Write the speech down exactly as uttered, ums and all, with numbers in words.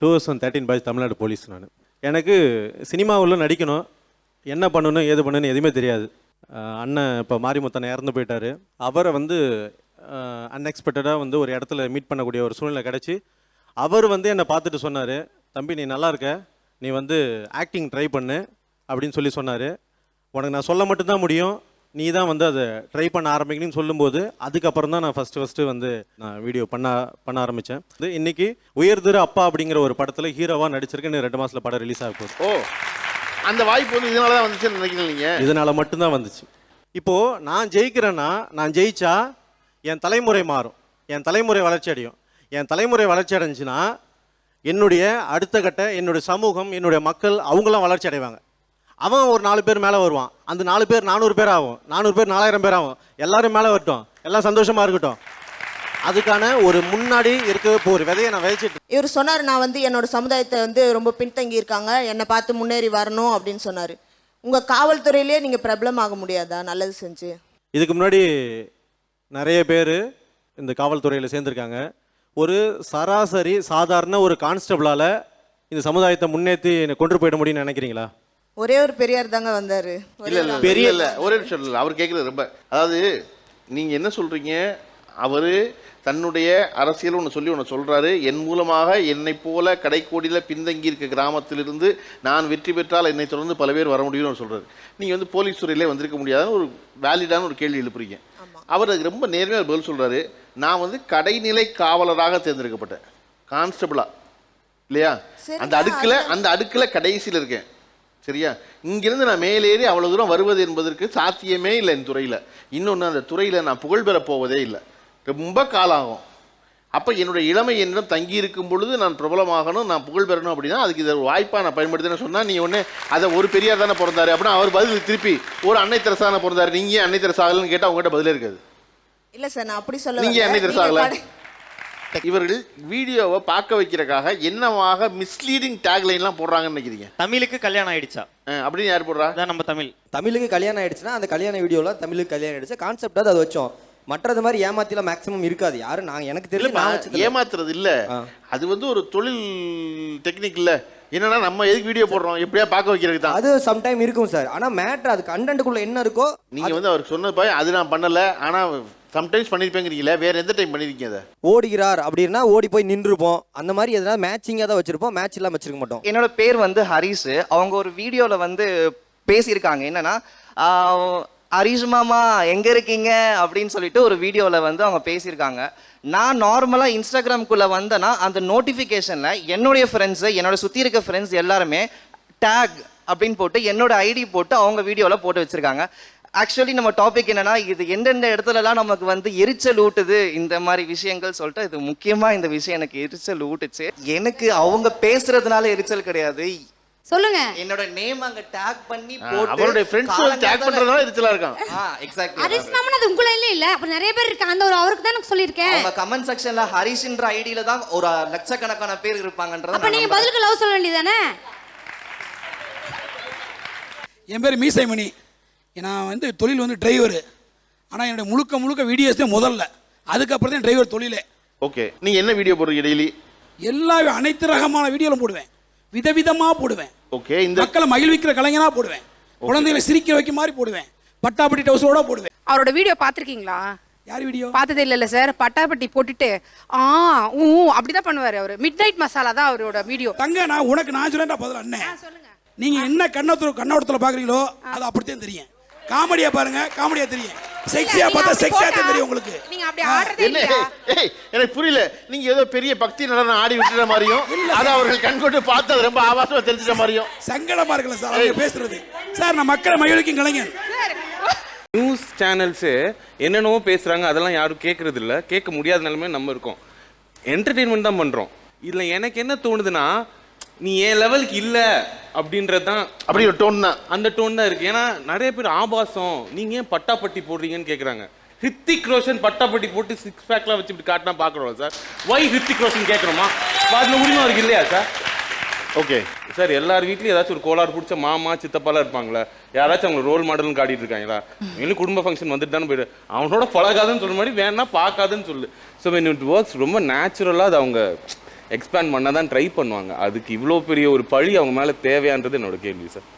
Two thousand thirteen boys Tamil Nadu police. நான் எனக்கு சினிமாவில் நடிக்கணும், என்ன பண்ணணும் ஏது பண்ணணும் எதுவுமே தெரியாது. அண்ணன் இப்போ மாரிமுத்தனை இறந்து போயிட்டார். அவரை வந்து அன்எக்ஸ்பெக்டடாக வந்து ஒரு இடத்துல மீட் பண்ணக்கூடிய ஒரு சூழ்நிலை கிடச்சி அவர் வந்து என்னை பார்த்துட்டு சொன்னார், தம்பி நீ நல்லா இருக்க, நீ வந்து ஆக்டிங் ட்ரை பண்ணு அப்படின்னு சொல்லி சொன்னார். உனக்கு நான் சொல்ல மட்டும்தான் முடியும், நீ தான் வந்து அதை ட்ரை பண்ண ஆரம்பிக்கணும்னு சொல்லும்போது அதுக்கப்புறம் தான் நான் ஃபஸ்ட்டு ஃபஸ்ட்டு வந்து நான் வீடியோ பண்ண பண்ண ஆரம்பித்தேன். இது இன்றைக்கி உயர்திரு அப்பா அப்படிங்கிற ஒரு படத்தில் ஹீரோவாக நடிச்சிருக்கேன். இன்னும் ரெண்டு மாதத்தில் படம் ரிலீஸ் ஆக போகுது. ஓ, அந்த வாய்ப்பு வந்து இதனால தான் வந்துச்சுன்னு நினைக்கிறீங்க? இதனால் மட்டும்தான் வந்துச்சு. இப்போது நான் ஜெயிக்கிறேன்னா, நான் ஜெயிச்சா என் தலைமுறை மாறும், என் தலைமுறை வளர்ச்சி அடையும். என் தலைமுறை வளர்ச்சி அடைஞ்சுன்னா என்னுடைய அடுத்த கட்ட என்னுடைய சமூகம், என்னுடைய மக்கள் அவங்களாம் வளர்ச்சி அடைவாங்க. அவன் ஒரு நாலு பேர் மேலே வருவான், அந்த நாலு பேர் நானூறு பேர் ஆகும், நானூறு பேர் நாலாயிரம் பேர் ஆகும், எல்லாரும் மேலே வரட்டும், எல்லாம் சந்தோஷமாக இருக்கட்டும். அதுக்கான ஒரு முன்னாடி இருக்க இப்போ ஒரு விதையை நான் விதைச்சிட்டு. இவர் சொன்னார், நான் வந்து என்னோட சமுதாயத்தை வந்து ரொம்ப பின்தங்கி இருக்காங்க, என்னை பார்த்து முன்னேறி வரணும் அப்படின்னு சொன்னார். உங்கள் காவல்துறையிலே நீங்கள் பிரபலம் ஆக முடியாதா நல்லது செஞ்சு? இதுக்கு முன்னாடி நிறைய பேர் இந்த காவல்துறையில் சேர்ந்துருக்காங்க. ஒரு சராசரி சாதாரண ஒரு கான்ஸ்டபிளால் இந்த சமுதாயத்தை முன்னேற்றி கொண்டு போயிட முடியும்னு நினைக்கிறீங்களா? ஒரே ஒரு பெரியார் தாங்க வந்தார். இல்லை இல்லை பெரிய இல்லை, ஒரே நிமிஷம் இல்லை, அவர் கேட்குறது ரொம்ப, அதாவது நீங்கள் என்ன சொல்கிறீங்க, அவர் தன்னுடைய அரசியல் ஒன்று சொல்லி ஒன்று சொல்கிறாரு, என் மூலமாக என்னை போல கடைக்கோடியில் பின்தங்கி இருக்க கிராமத்திலிருந்து நான் வெற்றி பெற்றால் என்னை தொடர்ந்து பல பேர் வர முடியும்னு சொல்கிறாரு. நீங்கள் வந்து போலீஸ் துறையிலே வந்திருக்க முடியாதுன்னு ஒரு வேலிடான ஒரு கேள்வி எழுப்புறீங்க. அவர் அதுக்கு ரொம்ப நேர்மையாக பதில் சொல்கிறாரு, நான் வந்து கடைநிலை காவலராக தேர்ந்தெடுக்கப்பட்டேன், கான்ஸ்டபிளா இல்லையா, அந்த அடுக்கில் அந்த அடுக்கில் கடைசியில் இருக்கேன், சரியா. இங்கிருந்து நான் மேலேறி அவ்வளோ தூரம் வருவது என்பதற்கு சாத்தியமே இல்லை என் துறையில். இன்னொன்று, அந்த துறையில் நான் புகழ் பெற போவதே இல்லை, ரொம்ப காலம் ஆகும். அப்போ என்னுடைய இளமை என்னிடம் தங்கி இருக்கும் பொழுது நான் பிரபலமாகணும், நான் புகழ் பெறணும் அப்படின்னா அதுக்கு இதை வாய்ப்பாக நான் பயன்படுத்தினேன்னு சொன்னால் நீ ஒன்று அதை ஒரு பெரியார் தானே பிறந்தாரு அப்படின்னா அவர் பதில் திருப்பி ஒரு அன்னை தெரசா தானே பிறந்தாரு, நீங்கள் அன்னை தெரசா ஆகலன்னு கேட்டால் அவங்ககிட்ட பதிலே இருக்காது. இல்லை சார், நான் அப்படி சொல்ல, நீங்கள் அன்னை தெரசா ஆகல. இவர்கள் வீடியோவை பார்க்க வைக்கிறக்காக என்னவாக மிஸ்லீடிங் டேக்லைன்லாம் போடுறாங்கன்னு நினைக்கிறீங்க? தமிழுக்கு கல்யாணம் ஆயிடுச்சா அப்படின்னு யார் போடுறா? அதான் நம்ம தமிழ். தமிழுக்கு கல்யாணம் ஆயிடுச்சுன்னா அந்த கல்யாண வீடியோவில் தமிழுக்கு கல்யாணம் ஆயிடுச்சு கான்செப்டாக அதை வச்சோம். மற்றது மாதிரி ஏமாத்திலாம் மேக்ஸிமம் இருக்காது. யாரும் நான் எனக்கு தெரியல ஏமாத்துறது இல்லை, அது வந்து ஒரு தொழில் டெக்னிக் இல்லை. என்னன்னா நம்ம எதுக்கு வீடியோ போடுறோம், எப்படியா பார்க்க வைக்கிறதுக்கு தான். அது சம்டைம் இருக்கும் சார். ஆனால் மேட்ரு அது கண்டென்ட்டுக்குள்ள என்ன இருக்கோ. நீங்கள் வந்து அவர் சொன்னது பாய் அது நான் பண்ணலை, ஆனால் சம்டைம்ஸ் பண்ணியிருப்பேங்கிறீங்களா, வேற எந்த டைம் பண்ணியிருக்கீங்க? அதை ஓடுகிறார் அப்படின்னா ஓடி போய் நின்றுப்போம், அந்த மாதிரி எதனா மேட்சிங்காக தான் வச்சிருப்போம், மேட்ச் எல்லாம் வச்சிருக்க மாட்டோம். என்னோட பேர் வந்து ஹரிஷ். அவங்க ஒரு வீடியோவில் வந்து பேசியிருக்காங்க, என்னன்னா ஹரிஷ் மாமா எங்கே இருக்கீங்க அப்படின்னு சொல்லிட்டு ஒரு வீடியோவில் வந்து அவங்க பேசியிருக்காங்க. நான் நார்மலாக இன்ஸ்டாகிராம்குள்ளே வந்தேன்னா அந்த நோட்டிஃபிகேஷனில் என்னுடைய ஃப்ரெண்ட்ஸு, என்னோட சுற்றி இருக்க ஃப்ரெண்ட்ஸ் எல்லாருமே டேக் அப்படின்னு போட்டு என்னோட ஐடி போட்டு அவங்க வீடியோவில் போட்டு வச்சுருக்காங்க. ஆக்சுவலி நம்ம டாபிக் என்னன்னா, இது எந்தெந்த இடத்துலலாம் நமக்கு வந்து எரிச்சல் ஊட்டுது இந்த மாதிரி விஷயங்கள் சொல்லிட்டு, இது முக்கியமாக இந்த விஷயம் எனக்கு எரிச்சல் ஊட்டுச்சு. எனக்கு அவங்க பேசுறதுனால எரிச்சல் கிடையாது, சொல்லுங்க. என்னோட நேம் அங்க டேக் பண்ணி போட்டு அவருடைய ஃப்ரெண்ட்ஸ் டேக் பண்றதுனால எரிச்சலா இருக்கான். ஆ எக்ஸாக்ட்லி. ஹரிஷ் மாமன் அது உங்கள இல்ல இல்ல, அப்ப நிறைய பேர் இருக்காங்க, அந்த ஒரு அவருக்கு தான் எனக்கு சொல்லிருக்கேன். அவங்க கமெண்ட் செக்ஷன்ல ஹரிஷ்ன்ற ஐடில தான் ஒரு லட்சக்கணக்கான பேர் இருப்பாங்கன்றது. அப்ப நீங்க பதிலுக்கு லவ் சொல்ல வேண்டியதானே? என் பேர் மீசைமணி, நான் வந்து தொழில் வந்து டிரைவர். ஆனால் என்னோட முழுக்க முழுக்க வீடியோஸ் தான் முதல்ல, அதுக்கப்புறம் தான் டிரைவர் தொழிலே. ஓகே, நீங்கள் என்ன வீடியோ போடுறீங்க டெய்லி? எல்லா அனைத்து ரகமான வீடியோலும் போடுவேன், விதவிதமாக போடுவேன். ஓகே, இந்த மக்களை மகிழ்விக்கிற கலைஞனாக போடுவேன், குழந்தைகளை சிரிக்க வைக்க மாதிரி போடுவேன், பட்டாப்பட்டி டவுசரோட போடுவேன். அவரோட வீடியோ பார்த்துருக்கீங்களா? யார் வீடியோ? பார்த்ததே இல்லைல்ல சார். பட்டாப்பட்டி போட்டுட்டு ஆ ஊ அப்படிதான் பண்ணுவார் அவர். மிட் நைட் மசாலா தான் அவரோட வீடியோ. தங்க, நான் உனக்கு நான் சொல்லேன்டா பதில் அண்ணன். சொல்லுங்க. நீங்கள் என்ன கண்ணோத்துல கண்ணோட்டத்தில் பார்க்குறீங்களோ அது அப்படித்தான் தெரியும். காமெடியா பாருங்க, காமெடியா தெரியும். செக்ஸியா பார்த்தா செக்ஸியா தெரியும் உங்களுக்கு. நீங்க அப்படி ஆடுறதே இல்லையா? ஏய் எனக்கு புரியல, நீங்க ஏதோ பெரிய பக்தி நடனம் ஆடி விட்டுற மாதிரியும் அத அவர்கள் கண்கொண்டு பார்த்து அது ரொம்ப ஆபாசமா தெரிஞ்சிட்ட மாதிரியும் சங்கடமா இருக்குல்ல சார் அவங்க பேசுறது. சார் நான் மக்களை மகிழ்விக்கும் கலைஞன். நியூஸ் சேனல்ஸ் என்னென்னவோ பேசுறாங்க, அதெல்லாம் யாரும் கேட்கறது இல்லை, கேட்க முடியாத நிலைமை நம்ம இருக்கோம். என்டர்டெயின்மெண்ட் தான் பண்றோம். இதுல எனக்கு என்ன தோணுதுன்னா, நீ ஏன் லெவலுக்கு இல்லை அப்படின்றது தான், அப்படி ஒரு டோன் தான், அந்த டோன் தான் இருக்கு. ஏன்னா நிறைய பேர் ஆபாசம் நீங்க ஏன் பட்டாப்பட்டி போடுறீங்கன்னு கேட்குறாங்க. ஹித்திக் ரோஷன் பட்டாப்பட்டி போட்டு சிக்ஸ் பேக்லாம் வச்சு இப்படி காட்டினா பார்க்குறோம் சார். ஒய் ஹித்திக் ரோஷன் கேட்குறோமா? அதில் உரிமை இருக்கு இல்லையா சார்? ஓகே சார், எல்லார் வீட்லையும் ஏதாச்சும் ஒரு கோளாறு பிடிச்ச மாமா சித்தப்பாலாம் இருப்பாங்களா, யாராச்சும் அவங்க ரோல் மாடல்னு காட்டிட்டு இருக்காங்களா? இன்னும் குடும்ப ஃபங்க்ஷன் வந்துட்டு தானே போயிடு, அவனோட பழகாதுன்னு சொல்ற மாதிரி வேணா பார்க்காதுன்னு சொல்லு. ஸோ வென் இட் ஒர்க்ஸ் ரொம்ப நேச்சுரலாக அது அவங்க எக்ஸ்பேண்ட் பண்ண தான் ட்ரை பண்ணுவாங்க. அதுக்கு இவ்வளோ பெரிய ஒரு பழி அவங்க மேலே தேவையான்றது என்னோட கேள்வி சார்.